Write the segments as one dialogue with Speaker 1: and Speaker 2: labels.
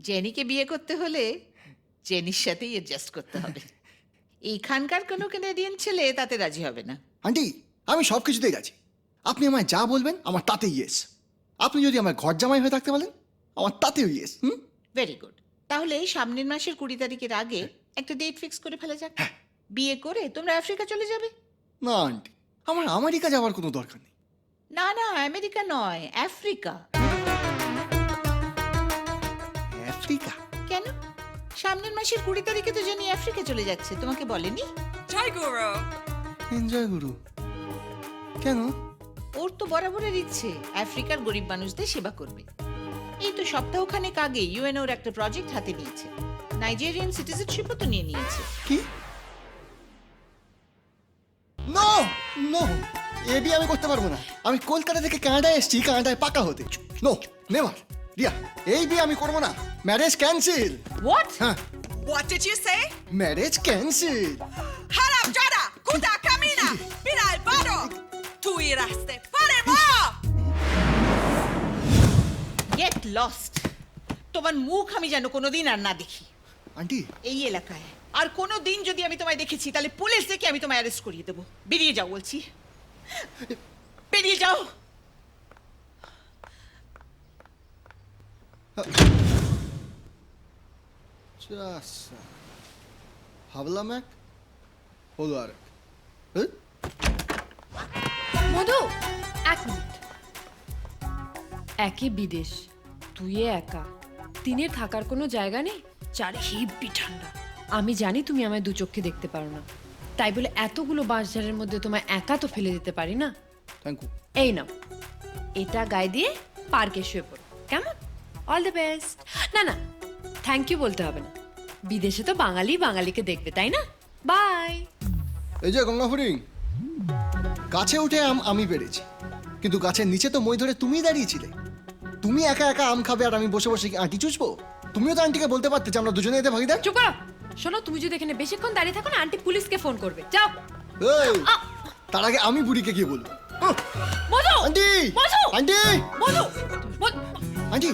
Speaker 1: জেনিকে বিয়ে করতে হলে জেনির সাথেই অ্যাডজাস্ট করতে হবে। এইখানকার কোনো কানাডিয়ান ছেলে তাতে রাজি হবে না।
Speaker 2: আন্টি আমি সব কিছুতেই রাজি। আপনি আমায় যা বলবেন আমার তাতেই ইয়েস। আপনি যদি আমার ঘর জামাই হয়ে থাকতে বলেন আমার তাতেও ইয়েস।
Speaker 1: Very good. তাহলে সামনের মাসের 20 তারিখের আগে একটা ডেট ফিক্স করে ফেলা যাক। বিয়ে করে তোমরা আফ্রিকা চলে যাবে।
Speaker 2: না আন্টি, আমার আমেরিকা যাওয়ার কোনো দরকার নেই।
Speaker 1: না না, আমেরিকা নয়, আফ্রিকা।
Speaker 2: আফ্রিকা?
Speaker 1: কেন? সামনের মাসের 20 তারিখে তো জেনি আফ্রিকা চলে যাচ্ছে, তোমাকে বলেনি?
Speaker 3: জয় গুরু।
Speaker 2: এনজয় গুরু? কেন?
Speaker 1: ওর তো বরাবরের ইচ্ছে আফ্রিকার গরিব মানুষদের সেবা করবে। এই তো সপ্তাহখানেক আগে ইউএন ওর একটা প্রজেক্ট হাতে নিয়েছে। নাইজেরিয়ান সিটিজেনশিপও তো নিয়ে নিয়েছে।
Speaker 2: কি? নো নো, এ বিয়ে আমি করতে পারবো না। আমি কলকাতা থেকে কানাডায় এসেছি কানাডায় পাকা হতে। No never. রিয়া, এই বিয়ে আমি করবো না। Marriage cancel.
Speaker 1: হোয়াট?
Speaker 2: হ্যাঁ,
Speaker 3: What did you say?
Speaker 2: Marriage cancel.
Speaker 3: Haram Jada, Kuta Camina, Piral Baro. Tú iraste, ¡Paremo!
Speaker 1: Get lost. তোমার মুখ আমি যেন কোনোদিন আর না দেখি
Speaker 2: আন্টি
Speaker 1: এই এলাকায়। আর কোনো দিন যদি আমি তোমায় দেখেছি তাহলে পুলিশ ডেকে আমি তোমায় অ্যারেস্ট করিয়ে দেবো। বেরিয়ে যাও বলছি, বেরিয়ে যাও।
Speaker 2: ভাবলাম এক হলো আর এক।
Speaker 4: মধু, এক মিনিট। একে বিদেশ, তুই একা, তিনের থাকার কোনো জায়গা নেই, চার হিব্বি ঠান্ডা। আমি জানি তুমি আমায় দু চোখে দেখতে পারো না, তাই বলে এতগুলো বাঁশঝাড়ের মধ্যে তোমায় একা তো ফেলে দিতে পারি না।
Speaker 2: Thank you.
Speaker 4: এই নাও, এটা গায়ে দিয়ে পার্কে শুয়ে পড়ো, কেমন? All the best. না না, থ্যাংক ইউ বলতে হবে না, বিদেশে তো বাঙালি বাঙালিকে দেখবে, তাই না? বাই।
Speaker 2: এই যে গঙ্গা ফড়িং, গাছে উঠে আম আমি পেরেছি, কিন্তু গাছের নিচে তো মই ধরে তুমিই দাঁড়িয়েছিলে। তুমি একা একা আম খাবে আর আমি বসে বসে কি আঁটি চুষবো? তুমিও তো আন্টিকে বলতে পারতে যে আমরা দুজনে এতে ভাগিদার।
Speaker 4: চুপ করো। শোনো, তুমি যদি এখানে বেশিক্ষণ দাঁড়িয়ে থাকো না, আন্টি পুলিশকে ফোন করবে। যাও।
Speaker 2: এই, তার আগে আমি বুড়িকে গিয়ে বলবো।
Speaker 4: Madhu!
Speaker 2: Aunty
Speaker 4: Madhu!
Speaker 2: Aunty
Speaker 4: Madhu!
Speaker 2: Aunty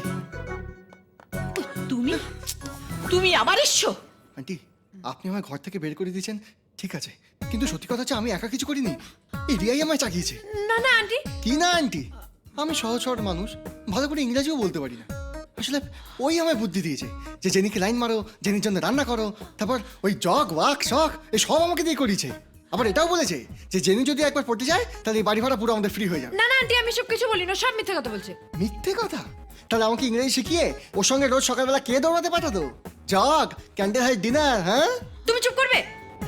Speaker 1: তুমি তুমি আবার এসছো?
Speaker 2: আন্টি, আপনি আমায় ঘর থেকে বের করে দিয়েছেন ঠিক আছে, কিন্তু সত্যি কথা হচ্ছে আমি একা কিছু করিনি। এই রিয়াই আমায় চাকিয়েছে।
Speaker 4: না না আন্টি।
Speaker 2: কি না আন্টি, আমি সহজ সরল মানুষ, ভালো করে ইংরাজিও বলতে পারি না। আসলে ওই আমায় বুদ্ধি দিয়েছে যে জেনিকে লাইন মারো, জেনির জন্য রান্না করো, তারপর ওই জগ ওয়াক শখ এই সব আমাকে দিয়ে করিয়েছে। আবার এটাও বলেছে যে জেনি যদি একবার পড়তে যায় তাহলে এই বাড়ি ভাড়া পুরো আমাদের ফ্রি হয়ে যাবে।
Speaker 4: না না আন্টি, আমি সব কিছু বলি না, সব মিথ্যে কথা বলছে।
Speaker 2: মিথ্যে কথা? তাহলে আমাকে ইংরেজি শিখিয়ে ওর সঙ্গে রোজ সকালবেলা কে দৌড়াতে পাঠাতো? Jog candle high dinner. হ্যাঁ,
Speaker 4: তুমি চুপ করবে?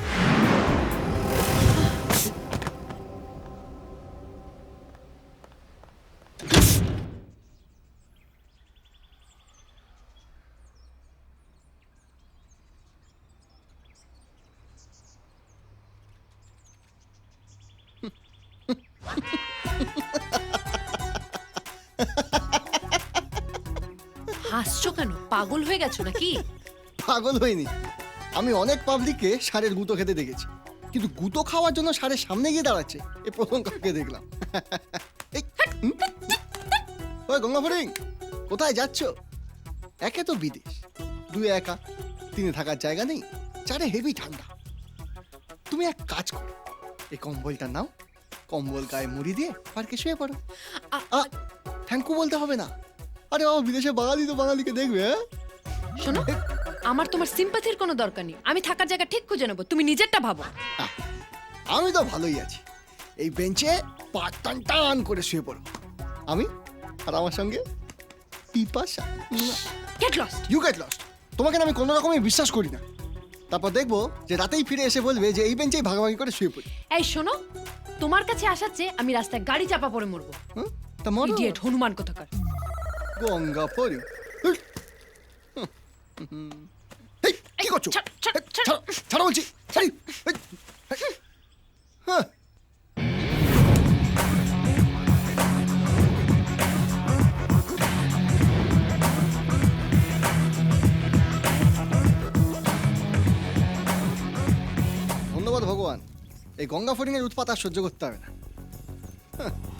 Speaker 4: হাসছো কেন? পাগল হয়ে গেছো নাকি?
Speaker 2: পাগল হয়নি, আমি অনেক পাবলিককে ষাঁড়ের গুঁতো খেতে দেখেছি, কিন্তু গুঁতো খাওয়ার জন্য ষাঁড়ের সামনে গিয়ে দাঁড়াচ্ছে এ প্রথম কাউকে দেখলাম। এই, ওই গঙ্গা ফড়িং, কোথায় যাচ্ছ? একে তো বিদেশ, দুই একা, তিনে থাকার জায়গা নেই, চারে হেভি ঠান্ডা। তুমি এক কাজ করো, এই কম্বলটা নাও, কম্বল গায়ে মুড়ি দিয়ে পার্কে শুয়ে পড়ো। থ্যাংক ইউ বলতে হবে না। আরে বাবা, বিদেশে বাঙালি তো বাঙালিকে দেখবে। হ্যাঁ,
Speaker 4: শোনো, আমার তোমার সিম্পাথির কোনো দরকার নেই, আমি থাকার জায়গা ঠিক খুঁজে নেবো, তুমি নিজেরটা ভাবো।
Speaker 2: আমি তো ভালোই আছি, এই বেঞ্চে পা টান টান করে শুয়ে পড়ো আমি, আর আমার সঙ্গে পিপাসা।
Speaker 4: Get lost.
Speaker 2: You get lost. তোমাকে না আমি কোনো রকমই বিশ্বাস করি না। তারপর দেখবো যে রাতেই ফিরে এসে বলবে যে এই বেঞ্চেই ভাগাভাগি করে শুয়ে পড়ি।
Speaker 4: এই শোনো, তোমার কাছে আসার চেয়ে আমি রাস্তায় গাড়ি চাপা পড়ে মরবো।
Speaker 2: তা মরো।
Speaker 4: ইডিয়েট হনুমান কোথাকার।
Speaker 2: গঙ্গা পড়ি। এই, কি করছো?
Speaker 4: ছাড়, ছাড়, ছাড়।
Speaker 2: ছাড়ো, ছাড়ো বলছি। ছাড়ি। এই, হ্যাঁ, ধন্যবাদ ভগবান, এই গঙ্গা ফড়িংয়ের উৎপাত আর সহ্য করতে হবে না।